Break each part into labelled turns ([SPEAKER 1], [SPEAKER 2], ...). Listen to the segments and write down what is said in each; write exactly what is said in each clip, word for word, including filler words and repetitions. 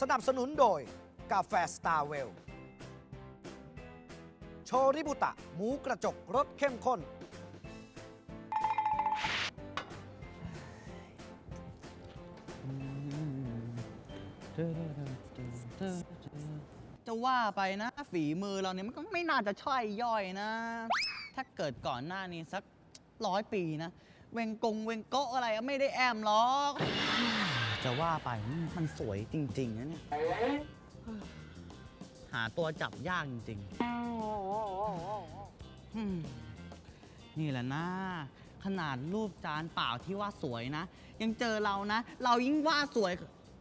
[SPEAKER 1] สนับสนุนโดยกาแฟสตาร์เวลโชริบุตะหมูกระจกรสเข้มข้น
[SPEAKER 2] จะว่าไปนะฝีมือเราเนี่ยมันก็ไม่น่าจะช่อยย่อยนะ ถ้าเกิดก่อนหน้านี้สักร้อยปีนะ เวงกงเวงโกะอะไรไม่ได้แอมหรอกจะว่าไปมันสวยจริงๆนะเนี่ยหาตัวจับยากจริงๆนี่แหละนะขนาดรูปจานเปล่าที่ว่าสวยนะ ยังเจอเรานะ เรายิ่งว่าสวย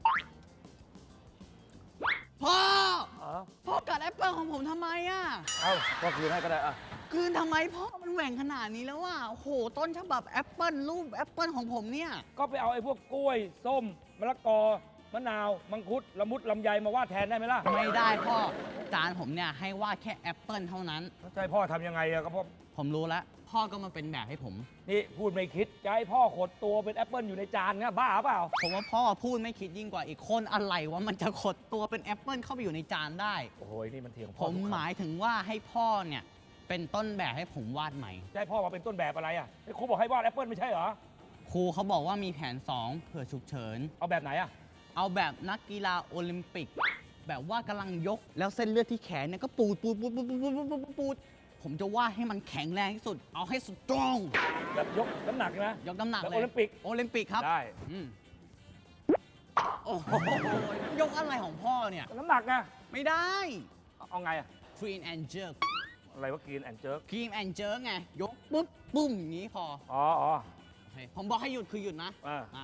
[SPEAKER 2] พ่อพ่อกัดแอปเปิลของผมทำไมอ่ะ
[SPEAKER 3] เอ้าก็คืนให้ก็ได้อะ
[SPEAKER 2] คืนทำไมพ่อมันแหว่งขนาดนี้แล้วว่ะโอ้โหต้นฉบับแอปเปิลรูปแอปเปิลของผมเนี่ย
[SPEAKER 3] ก็ไปเอาไอ้พวกกล้วย ส้ม มะละกอ มะนาว มังคุด ละมุด ลำไยมาวาดแทนได้ไหมล่ะ
[SPEAKER 2] ไม่ได้พ่อจานผมเนี่ยให้วาดแค่แอปเปิลเท่านั้น
[SPEAKER 3] แล้วจะให้พ่อทำยังไงอะก็พ่อ
[SPEAKER 2] ผมรู้แล้วพ่อก็มาเป็นแบบให้ผม
[SPEAKER 3] นี่พูดไม่คิด จะให้พ่อขดตัวเป็นแอปเปิลอยู่ในจานเนี่ยบ้าเปล่า
[SPEAKER 2] ผมว่าพ่อพูดไม่คิดยิ่งกว่าอีกคนอะไรว่ามันจะขดตัวเป็นแอปเปิลเข้าไปอยู่ในจานได้
[SPEAKER 3] โอ้โหนี่มันเถียง
[SPEAKER 2] ผ
[SPEAKER 3] พ่อ
[SPEAKER 2] ม
[SPEAKER 3] ทุก
[SPEAKER 2] ห
[SPEAKER 3] คำ
[SPEAKER 2] มายถึงว่าให้พ่อเนี่ยเป็นต้นแบบให้ผมวาดใหม่
[SPEAKER 3] จะให้พ่อมาเป็นต้นแบบอะไรอะไอ้ครูบอกให้วาดแอปเปิลไม่ใช่เหรอ
[SPEAKER 2] ครูเขาบอกว่ามีแผนสองเผื่อฉุกเฉิน
[SPEAKER 3] เอาแบบไหนอะ
[SPEAKER 2] เอาแบบนักกีฬาโอลิมปิก แบบว่ากำลังยกแล้วเส้นเลือดที่แขนเนี่ยก็ปูดปูดปูดปูดปูดปูดปูดปูดผมจะวาดให้มันแข็งแรงที่สุด เอาให้สตรอง
[SPEAKER 3] แบบยกน้ำหนักนะ
[SPEAKER 2] ยกน้ำหนัก
[SPEAKER 3] แบบ
[SPEAKER 2] เลย
[SPEAKER 3] โอลิมปิก
[SPEAKER 2] โอลิมปิกครับ
[SPEAKER 3] ได้
[SPEAKER 2] อืมโอ้โหยกอะไรของพ่อเนี่ย
[SPEAKER 3] น้ำหนักนะ
[SPEAKER 2] ไม่ได้
[SPEAKER 3] เอาไงอะ
[SPEAKER 2] clean and jerk
[SPEAKER 3] อะไรว่ากินแอนเจิร์ก
[SPEAKER 2] clean and jerk ไง ยกปุ๊บปุ้มอย่างนี้พอ
[SPEAKER 3] อ๋ออ๋อ
[SPEAKER 2] โอเคผมบอกให้หยุดคือหยุดนะ
[SPEAKER 3] อ่า
[SPEAKER 2] อ่า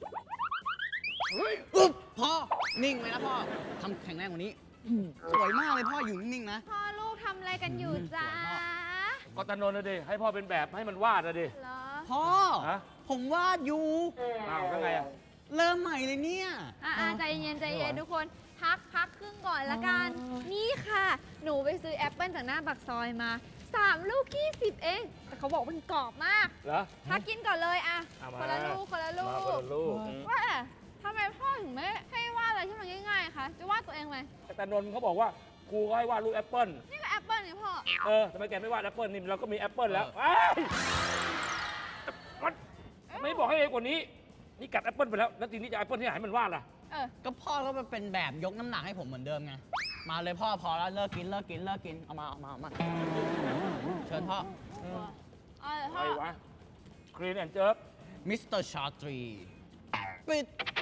[SPEAKER 2] อุ๊บพ่อ นิ่งไว้นะพ่อทำแข็งแรงกว่านี้ สวยมากเลยพ่ออยู่นิ่งๆนะ
[SPEAKER 4] พ่อลูกทำอะไรกันอยู่จ้า
[SPEAKER 3] ก็ตานนท์นะดิให้พ่อเป็นแบบให้มันวาดนะดิ
[SPEAKER 4] เหรอ
[SPEAKER 2] พ่อ
[SPEAKER 3] ฮะ
[SPEAKER 2] ผมวาดอยู่
[SPEAKER 3] อ้าวแล้วไงอะ
[SPEAKER 2] เริ่มใหม่เลยเนี่ย
[SPEAKER 4] อ่าใจเย็นใจเย็นทุกคน พักพักครึ่งก่อนละกัน นี่ค่ะ หนูไปซื้อแอปเปิลจากหน้าปากซอยมาสามลูกยี่สิบเอง แต่เขาบอกมันกรอบมาก
[SPEAKER 3] เหรอ
[SPEAKER 4] พักกินก่อนเลยอะ
[SPEAKER 3] เอามา
[SPEAKER 4] คนละลูกคนละลู
[SPEAKER 3] มาคน
[SPEAKER 4] ก
[SPEAKER 3] ละลูก
[SPEAKER 4] ว่าทำไมพ่อถึงไม่ให้วาดอะไรที่มันง่ายๆคะจะวาดตัวเองไหม
[SPEAKER 3] แต่นนท์เขาบอกว่าครูก็ให้วาดรูปแอปเปิล
[SPEAKER 4] นี่ก็แอปเปิลไงพ่อ
[SPEAKER 3] เออทำไมแกไม่วาดแอปเปิลนี่เราก็มีแอปเปิลแล้วเอ้ยมันไม่บอกให้เร็วกว่านี้ นี่กัดแอปเปิลไปแล้ว แล้วทีนี้จะแอปเปิลที่ไหนให้มันวาดล่ะ
[SPEAKER 4] เออ
[SPEAKER 2] ก็พ่อก็มาเป็นแบบยกน้ำหนักให้ผมเหมือนเดิมไง มาเลยพ่อพอแล้วเลิกกินเลิกกินเลิกกิน เอามาเอามาเอามา เชิญพ่อ
[SPEAKER 4] เอาเลย
[SPEAKER 3] ใค
[SPEAKER 4] พ่
[SPEAKER 3] ร
[SPEAKER 4] อ
[SPEAKER 3] วะครีนแอนเจิร์ก
[SPEAKER 2] มิสเตอร์ชาตรีปิด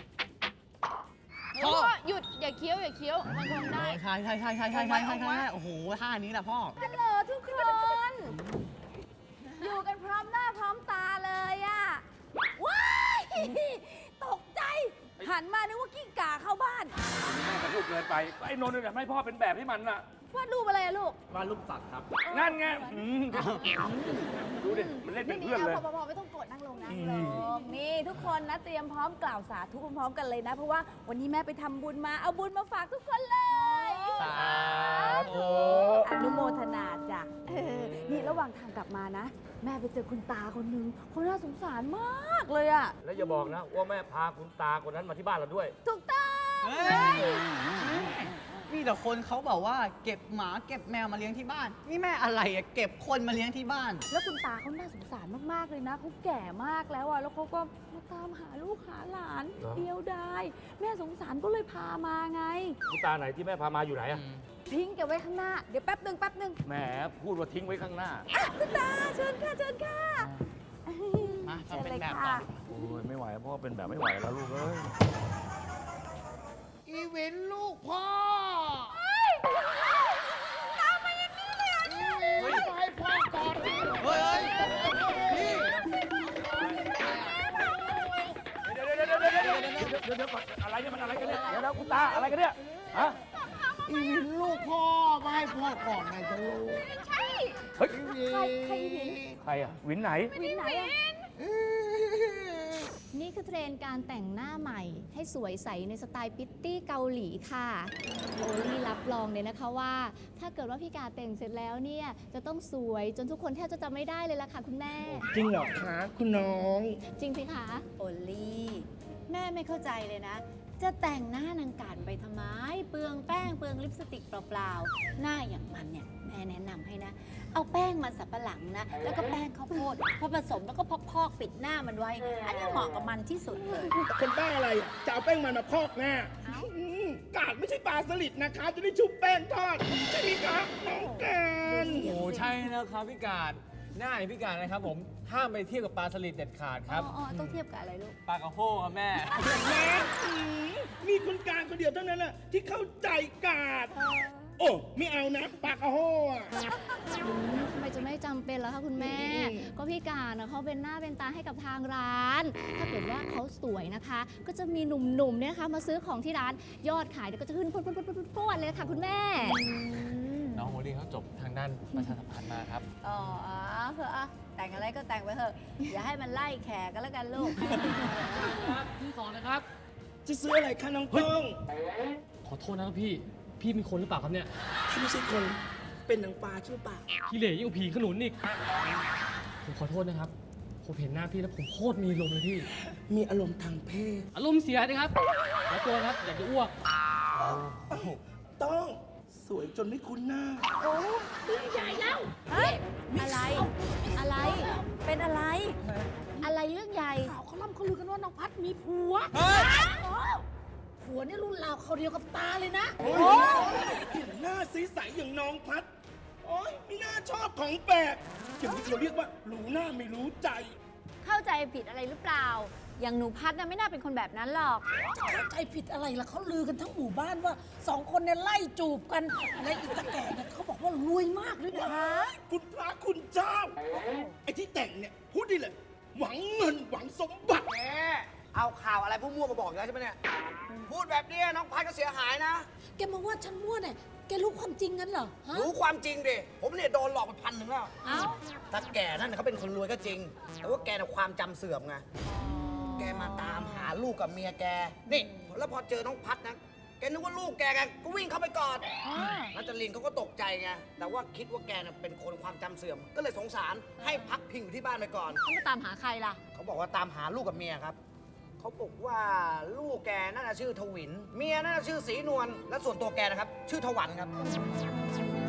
[SPEAKER 4] พ่อหยุดอย่าเคี้ยวอย่าเคี้ยวมันคงได้
[SPEAKER 2] ใช่ใช่ใช่ใช่ใช่ใช่ใช่ใช่โอ้โหท่านี้แหละพ่อ
[SPEAKER 5] ฮัลโหลทุกคน อยู่กันพร้อมหน้าพร้อมตาเลยอะว้ายตกใจ หันมานึกว่ากิ้งก่าเข้าบ้าน
[SPEAKER 3] แม่กับลูกเกินไป ไอ้นนท์เนี่ยให้พ่อเป็นแบบให้มันน่ะ
[SPEAKER 5] วาดรูปอะไรอะลูก
[SPEAKER 2] วาดรูปสัตว์ครับ
[SPEAKER 3] นั่นไงอืมดูดิ มันเล่นเป็นเพื่อนเลย
[SPEAKER 5] พอพอไม่ต้องกดนั่งลงนั่งลง นี่ทุกคนนะเตรียมพร้อมกล่าวสาธุพร้อมๆกันเลยนะ เพราะว่าวันนี้แม่ไปทำบุญมา เอาบุญมาฝากทุกคนเลย
[SPEAKER 2] สาธุ
[SPEAKER 5] อนุโมทนาจ้ะเออนี่ระหว่างทางกลับมานะ แม่ไปเจอคุณตาคนนึงเขาน่าสงสารมากเลยอะ
[SPEAKER 3] แล้วอย่าบอกนะว่าแม่พาคุณตาคนนั้นมาที่บ้านเราด้วย
[SPEAKER 5] ถูกต้อง
[SPEAKER 2] เฮ้ยมีแต่คนเขาบอกว่าเก็บหมาเก็บแมวมาเลี้ยงที่บ้าน นี่แม่อะไรอะเก็บคนมาเลี้ยงที่บ้าน
[SPEAKER 5] แล้วคุณตาเขาน่าสงสารมาก ๆ เลยนะเขาแก่มากแล้วอะแล้วเขาก็มาตามหาลูกหาหลาน
[SPEAKER 3] เหรอ
[SPEAKER 5] เดียวดายแม่สงสารก็เลยพามาไง
[SPEAKER 3] คุณตาไหนที่แม่พามาอยู่ไหนอะ
[SPEAKER 5] ทิ้งแกไว้ข้างหน้า เดี๋ยวแป๊บหนึ่งแป๊บหนึ่ง
[SPEAKER 3] แหมพูดว่าทิ้งไว้ข้างหน้า
[SPEAKER 5] อ่ะคุณตาเชิญค่ะเชิญค่ะ
[SPEAKER 2] มา
[SPEAKER 5] เชิญ
[SPEAKER 2] เป็น
[SPEAKER 5] เลย
[SPEAKER 2] แบบ
[SPEAKER 5] ค่ะ
[SPEAKER 2] ก่อน
[SPEAKER 3] โอ้ยไม่ไหวพ่อเป็นแบบไม่ไหวแล้วลูกเอ้ย
[SPEAKER 1] อีเวนต์ลูกพ่อ
[SPEAKER 4] ตามมาอย่างนี้เลยเหรอเนี่ย
[SPEAKER 1] เฮ้ยไปพ่อก่อนสิ
[SPEAKER 2] เฮ้ยนี่
[SPEAKER 3] เดี๋ยวเดี๋ยวเดี๋ยวเดี๋ยวเดี๋ยวเดี๋ยวเดี๋ยวเดี๋ยวก่อนอะไรเนี่ยมันอะไรกันเนี่ยเดี๋ยวเดี๋ยวคุณตาอะไรกันเนี่ยฮะ
[SPEAKER 1] อีเวนต์ลูกพ่อมาให้พ่อก่อนไงจะรู้
[SPEAKER 4] ไม่ใช่
[SPEAKER 3] เฮ้ย
[SPEAKER 5] ใครใครวิน
[SPEAKER 3] ใครอะวินไหน
[SPEAKER 5] วินไหนอะ
[SPEAKER 6] นี่คือเทรนด์การแต่งหน้าใหม่ ให้สวยใสในสไตล์พิตตี้เกาหลีค่ะโอลี่รับรองเลยนะคะว่า ถ้าเกิดว่าพี่กาแต่งเสร็จแล้วเนี่ยจะต้องสวยจนทุกคนแทบจะจำไม่ได้เลยล่ะค่ะคุณแม่
[SPEAKER 1] จริงเหรอคะคุณน้อง
[SPEAKER 6] จริงสิคะ
[SPEAKER 5] โอลี่แม่ไม่เข้าใจเลยนะจะแต่งหน้านางการไปทำไม เปลืองแป้งเปลืองลิปสติกเปล่าๆ หน้าอย่างมันเนี่ยแม่แนะนำให้นะ เอาแป้งมันสับปะหลังนะ แล้วก็แป้งข้าวโพดพอผสมแล้วก็พอกๆปิดหน้ามันไว้ อันนี้เหมาะกับมันที่สุดเลย
[SPEAKER 1] คนบ้าอะไรอ่ะจะเอาแป้งมันมาพอกหน้าอืมกาดไม่ใช่ปลาสลิดนะคะ จะได้ชุบแป้งทอดใช่ไหมคะน้องการ
[SPEAKER 7] โอ้ใช่นะครับพี่กาดหน้าอย่างพี่กาดนะครับผมห้ามไปเทียบกับปลาสลิดเด็ดขาดครับ
[SPEAKER 5] อ๋อๆต้องเทียบกับอะไรลูก
[SPEAKER 7] ปลากระโฮครับแม่
[SPEAKER 1] แม่อืมมีคนกลางคนเดียวเท่านั้นน่ะที่เข้าใจกาด โอ้ไม่เอานะปากกะโฮอ่ะ
[SPEAKER 6] อืมทำไมจะไม่จำเป็นล่ะคะคุณแม่
[SPEAKER 1] อืม
[SPEAKER 6] ก็พี่การนะเขาเป็นหน้าเป็นตาให้กับทางร้าน ถ้าเกิดว่าเขาสวยนะคะ ก็จะมีหนุ่มๆเนี่ยนะคะมาซื้อของที่ร้านยอดขายเนี่ยก็จะขึ้นพรวดๆๆๆเลยค่ะคุณแม่
[SPEAKER 7] น้องโมลี่เขาจบทางด้านประชาสัมพันธ์มาครับ
[SPEAKER 5] อ๋อเถอะอะแต่งอะไรก็แต่งไปเถอะ อย่าให้มันไล่แขกกันแล้วกันลูก
[SPEAKER 8] พี่สอนนะครับ
[SPEAKER 1] จะซื้ออะไรคะน้องป้อง
[SPEAKER 8] ขอโทษนะครับพี่ พี่เป็นคนหรือเปล่าครับเนี่ย
[SPEAKER 1] ถ้าไม่ใช่คนเป็นนางฟ้าใช่เปล่า
[SPEAKER 8] พี่เหล่ยิ่งกว่าผีขนุนอีก ผมขอโทษนะครับ ผมเห็นหน้าพี่แล้วผมโคตรมีลมณ์เลยพี่
[SPEAKER 1] มีอารมณ์ทางเพศ
[SPEAKER 8] อารมณ์เสียนะครับขอตัวครับ อยากจะอ้วก
[SPEAKER 1] ต้องสวยจนไม่คุ้นหน้า
[SPEAKER 5] เฮ้ย อะไร อะไร เป็นอะไร อะไรเรื่องใหญ่
[SPEAKER 9] ข่าวเขาล่ำเขาลือกันว่าน้องพัดมีผัวผัวเนี่ยรุ่นราวเขาเดียวกับตาเลยนะ
[SPEAKER 1] โอ้ยเห็นหน้าใสๆอย่างน้องพัด โอ้ยไม่น่าชอบของแปลกอย่างนี้เราเรียกว่ารู้หน้าไม่รู้ใจ
[SPEAKER 5] เข้าใจผิดอะไรหรือเปล่า อย่างหนูพัดนะไม่น่าเป็นคนแบบนั้นหรอก
[SPEAKER 9] เข้าใจผิดอะไรล่ะเขาลือกันทั้งหมู่บ้านว่าสองคนเนี่ยไล่จูบกัน และอีตาแก่เนี่ยเขาบอกว่ารวยมากด้วยนะ
[SPEAKER 1] คุณพระคุณเจ้า ไอ้ที่แต่งเนี่ย พูดได้เลย หวังเงินหวังสมบัติ
[SPEAKER 10] แหมเอาข่าวอะไรพวกมั่วมาบอกอีกแล้วใช่ไหมเนี่ย พูดแบบนี้น้องพัดก็เสียหายนะ
[SPEAKER 9] แกมาว่าฉันมั่วเนี่ยแกรู้ความจริงงั้นเหรอฮะ
[SPEAKER 10] รู้ความจริงดิ ผมเนี่ยโดนหลอกไปพันหนึ่งแล้ว
[SPEAKER 5] เอ้า
[SPEAKER 10] ถ้าแกนั่นนะเขาเป็นคนรวยก็จริง แต่ว่าแกน่ะความจำเสื่อมไง แกมาตามหาลูกกับเมียแก นี่ แล้วพอเจอน้องพัดนะ แกนึกว่าลูกแกไงก็วิ่งเข้าไปกอดนัจลินเขาก็ตกใจไง แต่ว่าคิดว่าแกน่ะเป็นคนความจำเสื่อม ก็เลยสงสารให้พักพิงอยู่ที่บ้านไปก่อน
[SPEAKER 5] ต้องมาตามหาใครล่ะ
[SPEAKER 10] เขาบอกว่าตามหาลูกกับเมียครับ เขาบอกว่าลูกแกน่าจะชื่อทวิน เมียน่าจะชื่อสีนวล และส่วนตัวแกนะครับ ชื่อทวันครับ